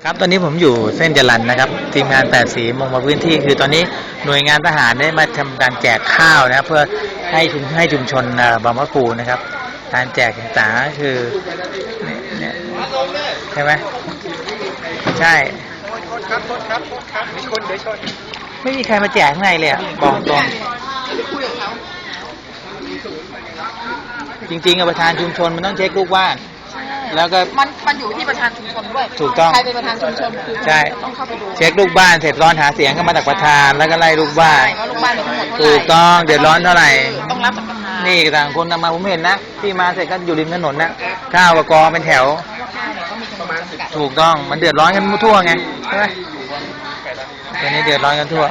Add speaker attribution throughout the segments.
Speaker 1: ครับตอนนี้ผมอยู่เส้นจรัญนะครับทีมงาน8สีลงมาพื้นที่คือตอนนี้หน่วยงานทหารได้มาทำการแจกข้าวนะเพื่อให้ชุมชนบางมะปูนะครับการแจกต่างๆคือเนี่ยใช่ไหมใช่มีคนเดี๋ยวชนไม่มีใครมาแจกข้างในเลยบอกตรงจริงๆประธานชุมชนมันต้องเช็คลูกบ้านแล้วก็
Speaker 2: มันอยู่ที่ประธานชุมชนด้วย
Speaker 1: ถูกต้อง
Speaker 2: ใครเป็นประธานชุมชนคือ
Speaker 1: ใช่
Speaker 2: ต้องเข้าไปดู
Speaker 1: เช็คลูกบ้านเสร็จร้อนหาเสียงก็มาจากประธานแล้วก็ไล่ลูกบ้าน
Speaker 2: ว่าลูกบ้านมีทั้งหมด
Speaker 1: ถูกต้องเดือดร้อนเท่าไหร่
Speaker 2: ต้องรับจากประธาน
Speaker 1: นี่ต่างคนมาผมเห็นนะที่มาเสร็จก็อยู่ริมถนนนะข้าวกับกองเป็นแถวถูกต้องมันเดือดร้อนกันทั่วไงใช่ไหมตอนนี้เดือดร้อนกันทั่ว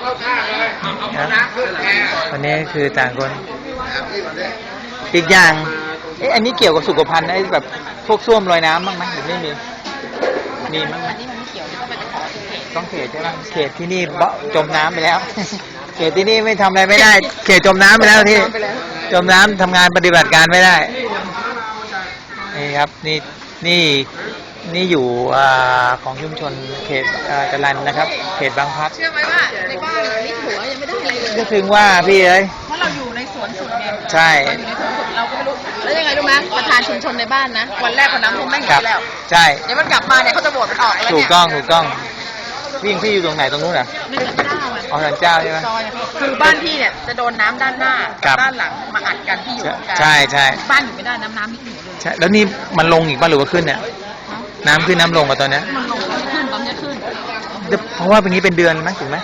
Speaker 1: วันนี้คือต่างคนอีกอย่างอันนี้เกี่ยวกับสุขภัณฑ์ไอ้แบบพวกส้วมลอยน้ำบ้างไหมหรือไม่มีมั้ง
Speaker 2: อันนี้มันไม่เกี่ยวต้องไปขอ
Speaker 1: ต้องเขตใช่ไหมเขตที่นี่จมน้ำไปแล้วเขตที่นี่ไม่ทำอะไรไม่ได้เขตจมน้ำไปแล้วที่จมน้ำทำงานปฏิบัติการไม่ได้นี่ครับนี่อยู่ของชุมชนเขตจรัญนะครับเขตบางพลัด
Speaker 2: เชื่อไหมว่าในบ้านนี่หัวยังไม่ได้อะไรเลย
Speaker 1: ก็ถึงว่าพี่เอ้ย
Speaker 2: เพราะเราอยู่ในสวนสุดเนี่ย
Speaker 1: ใช่
Speaker 2: อยู่ในสวนสุดเราก็ไม่รู้แล้วยังไงรู้ไหมประธานชุมชนในบ้านนะวันแรกคนน้ำท่วมไม่หนีแล้ว
Speaker 1: ใช่
Speaker 2: เดี๋ยวมันกลับมาเนี่ยเขาจะโหวตมันออกแล้วเนี่ย
Speaker 1: ถูกต้องพี่อยู่ตรงไหนตรงนู้นอ่ะ
Speaker 2: ในศาลเจ้า
Speaker 1: อ๋อศาลเจ้าใช่ไหม
Speaker 2: คือบ้านพี่เนี่ยจะโดนน้ำด้านหน้าด้านหลังมาอัดกันที่อยู่กัน
Speaker 1: ใช่
Speaker 2: บ้านอยู่ไม่ได้น้ำมิดหัวเลย
Speaker 1: ใช่แล้วนี่มันลงอีกป่ะหรือว่าขึ้นเนี่ยน้ำขึ้นน้ำลงกับตอนนี้
Speaker 2: มันลงขึ้นตอนนี้ขึ้น
Speaker 1: เพราะว่าเป็นนี้เป็นเดือนไหมถูกไหม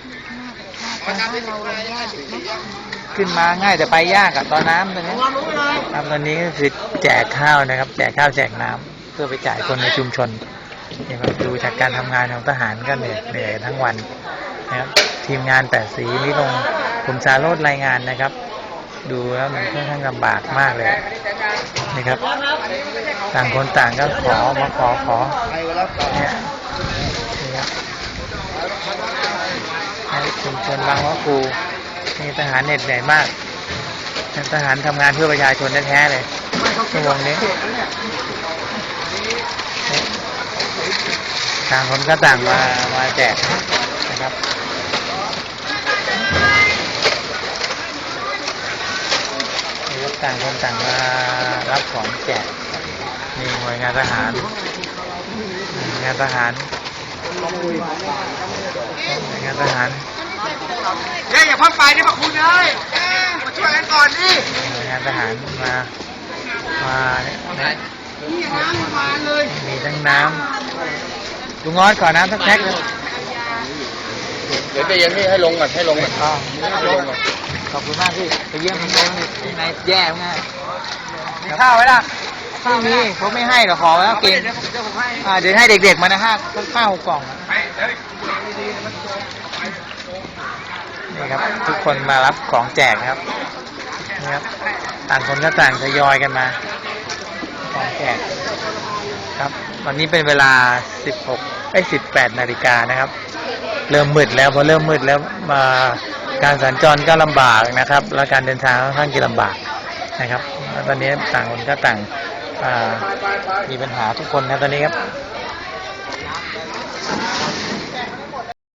Speaker 1: ขึ้นมาง่ายแต่ไปยากอะตอนน้ำตอนนี้ตอนนี้ก็คือแจกข้าวนะครับแจกข้าวแจกน้ำเพื่อไปจ่ายคนในชุมชนนี่ครับดูจากการทำงานของทหารก็เหนื่อยทั้งวันนะครับทีมงาน8สีนี่ลงผมสาโรจน์รายงานนะครับดูแล้วมันค่อนข้างลำบากมากเลยนี่ครับต่างคนต่างก็ขอเนี่ยนี่ครับชุมชนบางมะปูนี่ทหารเหนื่อยมากทหารทำงานเพื่อประชาชนแท้ๆเลยชั่วโมงนี้ต่างคนก็ต่างมาแจกนะครับต่างคนต่างมารับของแจกนี่หน่วยงานทหารงานทหาร
Speaker 2: อย่าพักไปนี่พระคุณเลยมาช่วยกันก่อนดิ
Speaker 1: หน่วยงานทหารมามีทั้งน้ำลุงงอดขอน้ำสักแพ็คนึง
Speaker 3: เดี๋ยวไปเย็นนี่ให้ลงก่อนให้ลงก่อน
Speaker 1: ขอบคุณมากพี่ไปเยี่ยมคุณโน้นข้างในแย่มาก
Speaker 2: มีข้าวไว้ล่ะ
Speaker 1: ไม่มีเขาไม่ให้หรอกขอแล้วเก่งเดี๋ยวให้เด็กๆมานะข้าวกล่องนี่ครับทุกคนมารับของแจกครับนี่ครับต่างคนก็ต่างทยอยกันมาของแจกครับวันนี้เป็นเวลา18 นาฬิกานะครับเริ่มมืดแล้วพอเริ่มมืดแล้วมาการสัญจรก็ลำบากนะครับและการเดินทางค่อนข้างจะลำบากนะครับตอนนี้ต่างคนก็ต่างมีปัญหาทุกคนนะตอนนี้ครับ